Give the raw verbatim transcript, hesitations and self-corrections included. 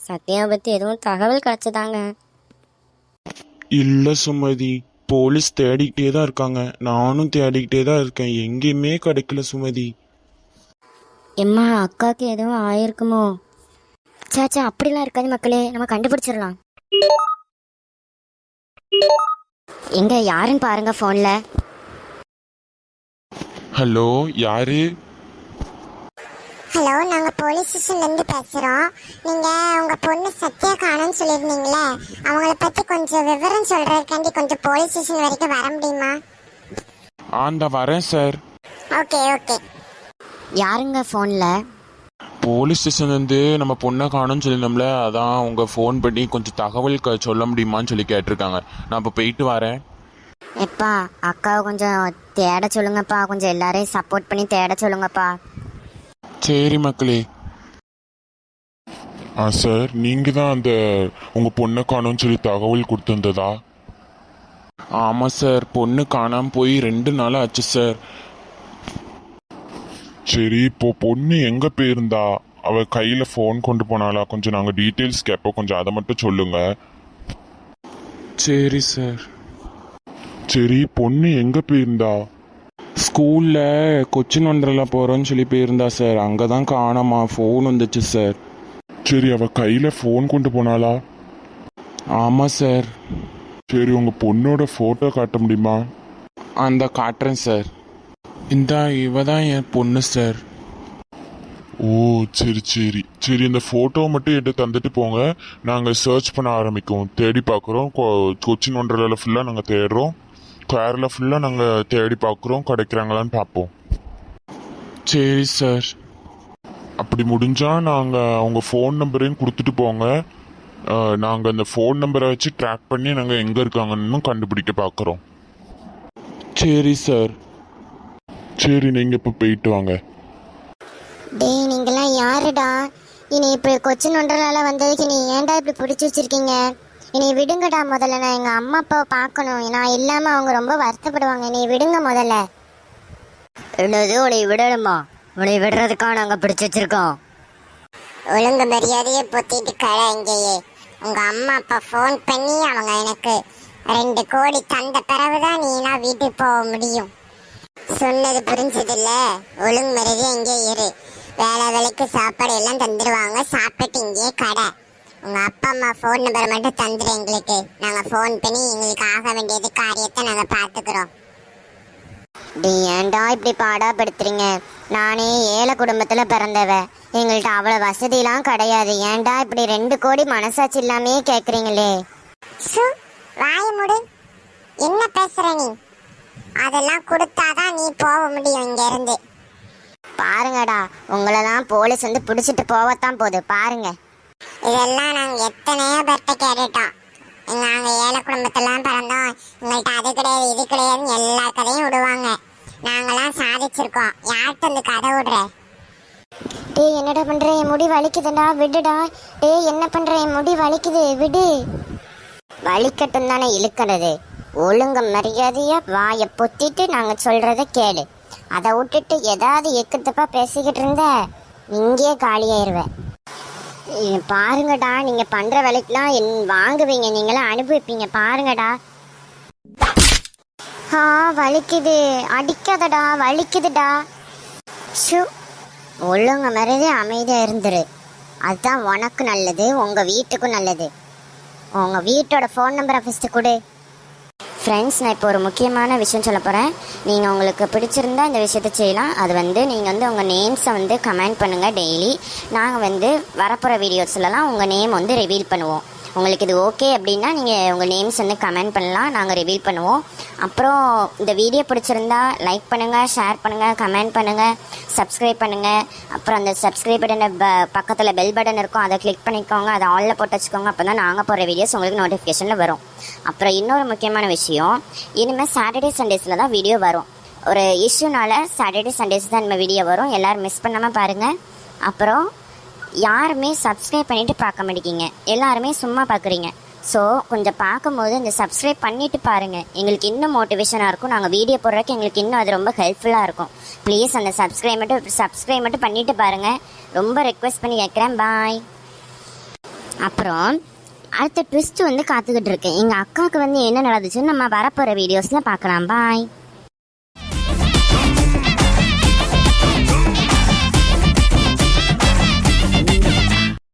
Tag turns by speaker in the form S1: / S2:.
S1: சத்யாவை பற்றி எதுவும் தகவல் கிடச்சதாங்க?
S2: இல்லை சுமதி, போலீஸ் தேடிக்கிட்டே தான் இருக்காங்க. நானும் தேடிக்கிட்டே தான் இருக்கேன், எங்கேயுமே கிடைக்கல சுமதி.
S1: எம்மா, அக்காவுக்கு எதுவும் ஆயிருக்குமோ? சாச்சா, அப்படிலாம் இருக்காது மக்களே, நம்ம கண்டுபிடிச்சிடலாம். எங்க யாருன்னு பாருங்க ஃபோன்ல.
S2: ஹலோ, யாரு?
S3: ஹலோ, நாங்க போலீஸ் ஸ்டேஷன்ல இருந்து பேசுறோம். நீங்க உங்க பொண்ணு சத்யா காணோம்னு சொல்லியிருந்தீங்களே, அவங்கள பத்தி கொஞ்சம் விவரம் சொல்றதுக்காண்டி கொஞ்சம் போலீஸ் ஸ்டேஷன் வரைக்கும் வர முடியுமா?
S2: ஆண்டா வரேன் சார்.
S3: Okay okay.
S1: யாருங்க ஃபோன்ல?
S2: போலீஸ் ஸ்டேஷன்லேருந்து நம்ம பொண்ணை காணும்னு சொல்லியிருந்தோம்ல, அதான் உங்கள் ஃபோன் பண்ணி கொஞ்சம் தகவல் க சொல்ல முடியுமான்னு சொல்லி கேட்டிருக்காங்க. நான் இப்போ போயிட்டு வரேன்.
S1: எப்பா, அக்காவை கொஞ்சம் தேட சொல்லுங்கப்பா, கொஞ்சம் எல்லாரையும் சப்போர்ட் பண்ணி தேட சொல்லுங்கப்பா.
S2: சரி மக்களே.
S4: ஆ சார், நீங்கள் தான் அந்த உங்கள் பொண்ணை காணோம்னு சொல்லி தகவல் கொடுத்துருந்ததா?
S2: ஆமாம் சார், பொண்ணு காணாமல் போய் ரெண்டு நாள் ஆச்சு சார்.
S4: சரி, இப்போ பொண்ணு எங்கே போயிருந்தா? அவள் கையில் ஃபோன் கொண்டு போனாலா? கொஞ்சம் நாங்கள் டீட்டெயில்ஸ் கேட்போம், கொஞ்சம் அதை மட்டும் சொல்லுங்க.
S2: சரி சார்.
S4: சரி, பொண்ணு எங்கே போயிருந்தா?
S2: ஸ்கூலில் கொச்சின் ஒன்றரில் போகிறோன்னு சொல்லி போயிருந்தா சார், அங்கே தான் காணாமா ஃபோன் வந்துச்சு சார்.
S4: சரி, அவள் கையில் ஃபோன் கொண்டு போனாளா?
S2: ஆமாம் சார்.
S4: சரி, உங்கள் பொண்ணோட ஃபோட்டோ காட்ட முடியுமா?
S2: அந்த காட்டுறேன் சார். இந்த இவ தான் என் பொண்ணு சார்.
S4: ஓ சரி சரி சரி, இந்த ஃபோட்டோ மட்டும் எடுத்து தந்துட்டு போங்க, நாங்கள் சர்ச் பண்ண ஆரம்பிக்கும், தேடி பார்க்குறோம். கொச்சின் ஒன்றரில் ஃபுல்லாக நாங்கள் தேடுறோம், கேரளா ஃபுல்லாக நாங்கள் தேடி பார்க்குறோம், கிடைக்கிறாங்களான்னு பார்ப்போம்.
S2: சரி சார்.
S4: அப்படி முடிஞ்சால் நாங்கள் அவங்க ஃபோன் நம்பரையும் கொடுத்துட்டு போங்க, நாங்கள் அந்த ஃபோன் நம்பரை வச்சு ட்ராக் பண்ணி நாங்கள் எங்கே இருக்காங்கன்னு கண்டுபிடிக்க பார்க்குறோம்.
S2: சரி சார்.
S4: சரி, நீங்கள் இப்போ போயிட்டு வாங்க.
S3: டேய், நீங்களாம் யாருடா? இனி இப்படி கொச்சின் ஒன்றரால வந்ததுக்கு நீ ஏன்டா இப்படி பிடிச்சி வச்சிருக்கீங்க? இனி விடுங்கடா. முதல்ல நான் எங்கள் அம்மா அப்பாவை பார்க்கணும், நான் இல்லாமல் அவங்க ரொம்ப வருத்தப்படுவாங்க. நீ விடுங்க முதல்ல.
S1: என்னது, உன்னை விடணுமா? உன்னை விடுறதுக்கா நாங்கள் பிடிச்சி வச்சிருக்கோம்.
S3: ஒழுங்கு மரியாதையே பொத்திட்டு கடை இங்கேயே. உங்க அம்மா அப்பா ஃபோன் பண்ணி அவங்க எனக்கு ரெண்டு கோடி தந்த பிறகுதான் நீனா வீட்டுக்கு போக முடியும். சொன்னது புரிஞ்சதில்ல? ஒழுங்கு மரியாதையே இங்கே இரு. வேலை வேலைக்கு சாப்பாடு எல்லாம் தந்துடுவாங்க, சாப்பிட்டு இங்கே கடை. உங்க அப்பா அம்மா ஃபோன் நம்பர் மட்டும் தந்துடு எங்களுக்கு, நாங்க ஃபோன் பண்ணி எங்களுக்கு ஆக வேண்டியது காரியத்தை நாங்க பாத்துக்கிறோம்.
S1: டி, ஏன்டா இப்படி பாடாப்படுத்துறீங்க? நானே ஏழை குடும்பத்துல பிறந்தவ, எங்கள்கிட்ட அவ்வளவு வசதியெல்லாம் கிடையாது. ஏன்டா இப்படி ரெண்டு கோடி மனசாட்சி இல்லாமே கேக்குறீங்களே?
S3: சு, வாய முடு. என்ன பேசுற நீ? அதெல்லாம் கொடுத்தாதான் நீ போக முடியும் இங்க இருந்து.
S1: பாருங்கடா, உங்களெல்லாம் போலீஸ் வந்து பிடிச்சிட்டு போகத்தான் போகுது பாருங்க.
S3: இதெல்லாம் நாங்க எத்தனையோ பேர்ட்ட கேட்டுட்டோம். நாங்க ஏழை குடும்பத்தெல்லாம் பிறந்தோம், எங்கள்கிட்ட அது கிடையாது இது கிடையாதுன்னு எல்லா கதையும் விடுவாங்க. நாங்கெல்லாம் சாதிச்சிருக்கோம், யார்கிட்ட இந்த கதை விடுற?
S1: டேய், என்னடா பண்ற? என் முடி வலிக்குதுடா, விடுடா. டேய், என்ன பண்ற? என் முடி வலிக்குது, விடு. வலிக்கட்டும் தானே இழுக்கிறது. ஒழுங்க மரியாதையா வாயை பொத்திட்டு நாங்க சொல்றத கேளு. அதை விட்டுட்டு ஏதாவது எக்குத்தப்பா பேசிக்கிட்டு இருந்த இங்கேயே காலியாயிருவேன். பாருங்கடா, நீங்க பண்ற வேலைக்கெல்லாம் என் வாங்குவீங்க, நீங்களாம் அனுபவிப்பீங்க. பாருங்கடா. ஆ, வலிக்குது. அடிக்காதடா, வலிக்குதுடா. ஷூ, ஒழுங்க மரியாதை அமைதியா இருந்துரு. அதுதான் உனக்கு நல்லது, உங்க வீட்டுக்கும் நல்லது. உங்க வீட்டோட ஃபோன் நம்பரை ஃபஸ்ட்டு கொடு. ஃப்ரெண்ட்ஸ், நான் இப்போ ஒரு முக்கியமான விஷயம் சொல்ல போகிறேன். நீங்கள் உங்களுக்கு பிடிச்சிருந்தா இந்த விஷயத்த செய்யலாம். அது வந்து நீங்கள் வந்து உங்கள் நேம்ஸை வந்து கமெண்ட் பண்ணுங்கள் டெய்லி. நாங்கள் வந்து வரப்போகிற வீடியோஸ்லலாம் உங்கள் நேம் வந்து ரிவீல் பண்ணுவோம். உங்களுக்கு இது ஓகே அப்படின்னா நீங்கள் உங்கள் நேம்ஸ் வந்து கமெண்ட் பண்ணலாம், நாங்கள் ரிவீல் பண்ணுவோம். அப்புறம் இந்த வீடியோ பிடிச்சிருந்தா லைக் பண்ணுங்கள், ஷேர் பண்ணுங்கள், கமெண்ட் பண்ணுங்கள், சப்ஸ்கிரைப் பண்ணுங்கள். அப்புறம் அந்த சப்ஸ்கிரைப் பட்டனை ப பக்கத்தில் பெல் பட்டன் இருக்கும், அதை கிளிக் பண்ணிக்கோங்க, அதை ஆலில் போட்டு வச்சுக்கோங்க. அப்போ தான் நாங்கள் போடுற வீடியோஸ் உங்களுக்கு நோட்டிஃபிகேஷனில் வரும். அப்புறம் இன்னொரு முக்கியமான விஷயம், இனிமேல் சாட்டர்டே சண்டேஸில் தான் வீடியோ வரும். ஒரு இஷ்யூனால சாட்டர்டே சண்டேஸ் தான் நம்ம வீடியோ வரும், எல்லோரும் மிஸ் பண்ணாமல் பாருங்கள். அப்புறம் யாருமே சப்ஸ்கிரைப் பண்ணிவிட்டு பார்க்க மாட்டேங்கிங்க, எல்லாருமே சும்மா பார்க்குறீங்க. ஸோ கொஞ்சம் பார்க்கும்போது இந்த சப்ஸ்கிரைப் பண்ணிவிட்டு பாருங்கள், எங்களுக்கு இன்னும் மோட்டிவேஷனாக இருக்கும். நாங்கள் வீடியோ போடுறதுக்கு எங்களுக்கு இன்னும் அது ரொம்ப ஹெல்ப்ஃபுல்லாக இருக்கும். ப்ளீஸ் அந்த சப்ஸ்கிரைப் மட்டும் சப்ஸ்கிரைப் மட்டும் பண்ணிவிட்டு பாருங்கள், ரொம்ப ரெக்வெஸ்ட் பண்ணி கேட்குறேன். பாய். அப்புறம் அடுத்த ட்விஸ்ட் வந்து காத்துக்கிட்டு இருக்கேன். எங்கள் அக்காவுக்கு வந்து என்ன நடந்துச்சுன்னு நம்ம வரப்போகிற வீடியோஸில் பார்க்கலாம். பாய்.